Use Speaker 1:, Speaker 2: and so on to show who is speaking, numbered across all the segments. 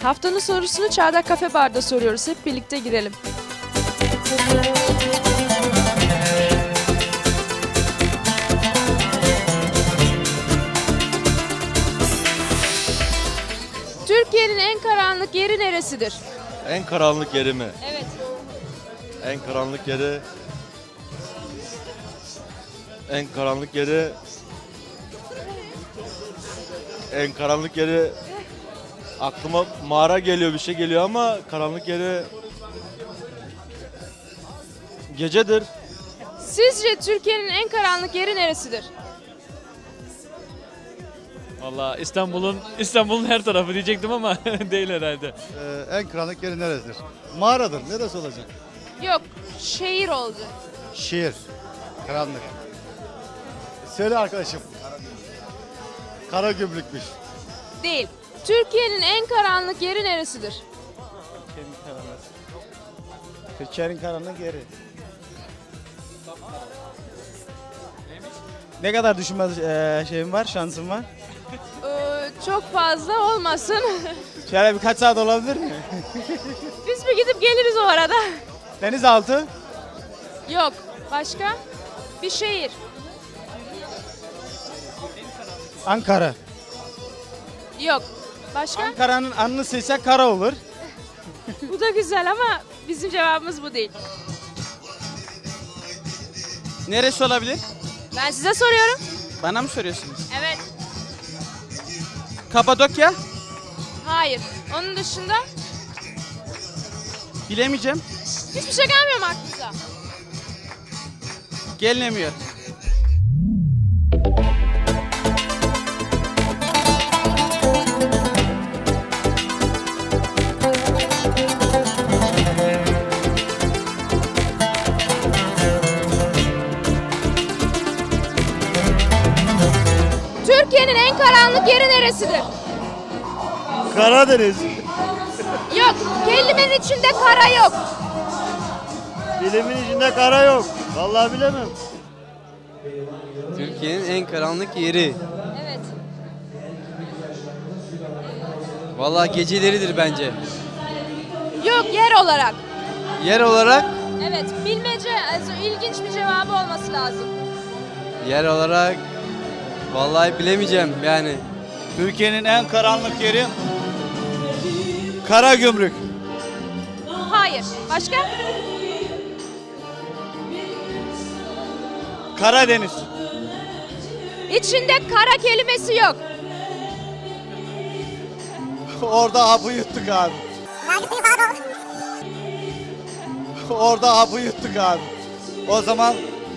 Speaker 1: Haftanın sorusunu Çardak Kafe Bar'da soruyoruz. Hep birlikte girelim. Türkiye'nin en karanlık yeri neresidir?
Speaker 2: En karanlık yeri mi?
Speaker 1: Evet.
Speaker 2: En karanlık yeri... En karanlık yeri... En karanlık yeri... Aklıma mağara geliyor, bir şey geliyor ama karanlık yeri... Gecedir.
Speaker 1: Sizce Türkiye'nin en karanlık yeri neresidir?
Speaker 3: Vallahi İstanbul'un her tarafı diyecektim ama değil herhalde.
Speaker 4: En karanlık yeri neresidir? Mağaradır. Neresi olacak?
Speaker 1: Yok, şehir oldu.
Speaker 4: Şehir. Karanlık. Söyle arkadaşım. Karagümrükmüş.
Speaker 1: Değil. Türkiye'nin en karanlık yeri neresidir?
Speaker 5: Türkiye'nin karanlık yeri. Ne kadar düşünme şeyim var, şansım var?
Speaker 1: Çok fazla olmasın.
Speaker 5: Şöyle birkaç saat olabilir mi?
Speaker 1: Biz bir gidip geliriz o arada.
Speaker 5: Denizaltı.
Speaker 1: Yok. Başka? Bir şehir.
Speaker 5: Ankara.
Speaker 1: Yok. Başka?
Speaker 5: Ankara'nın anını silsek kara olur.
Speaker 1: Bu da güzel ama bizim cevabımız bu değil.
Speaker 5: Neresi olabilir?
Speaker 1: Ben size soruyorum.
Speaker 5: Bana mı soruyorsunuz?
Speaker 1: Evet.
Speaker 5: Kapadokya.
Speaker 1: Hayır. Onun dışında
Speaker 5: Bilemeyeceğim.
Speaker 1: hiçbir şey gelmiyor mu aklınıza?
Speaker 5: Gelinemiyor.
Speaker 1: Türkiye'nin en karanlık yeri neresidir?
Speaker 4: Karadeniz.
Speaker 1: Yok. Kelimenin içinde kara yok.
Speaker 4: Bilimin içinde kara yok. Vallahi bilemem.
Speaker 6: Türkiye'nin en karanlık yeri.
Speaker 1: Evet.
Speaker 6: Vallahi geceleridir bence.
Speaker 1: Yok, yer olarak.
Speaker 6: Yer olarak,
Speaker 1: Evet. Bilmece, ilginç bir cevabı olması lazım.
Speaker 6: yer olarak vallahi bilemeyeceğim yani.
Speaker 5: Türkiye'nin en karanlık yeri Karagümrük.
Speaker 1: Hayır. Başka?
Speaker 5: Karadeniz.
Speaker 1: İçinde kara kelimesi yok.
Speaker 5: Orada hapı yuttuk abi. Orada hapı yuttuk abi. O zaman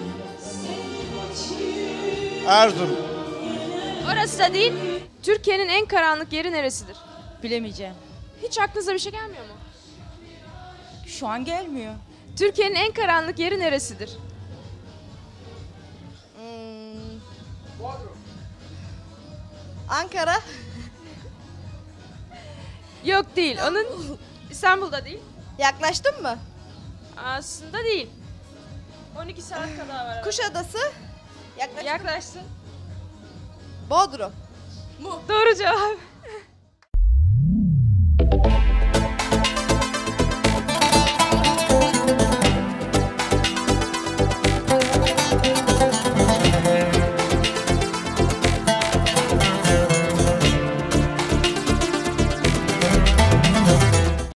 Speaker 5: Erzurum.
Speaker 1: Orası da değil. Türkiye'nin en karanlık yeri neresidir?
Speaker 7: Bilemeyeceğim.
Speaker 1: Hiç aklınıza bir şey gelmiyor mu?
Speaker 7: Şu an gelmiyor.
Speaker 1: Türkiye'nin en karanlık yeri neresidir?
Speaker 7: Ankara.
Speaker 1: Yok değil. Onun İstanbul'da değil.
Speaker 7: Yaklaştın mı?
Speaker 1: Aslında değil. 12 saat kadar var.
Speaker 7: Kuşadası. Yaklaştın.
Speaker 1: Yaklaştın.
Speaker 7: Bodrum.
Speaker 1: Doğru cevap.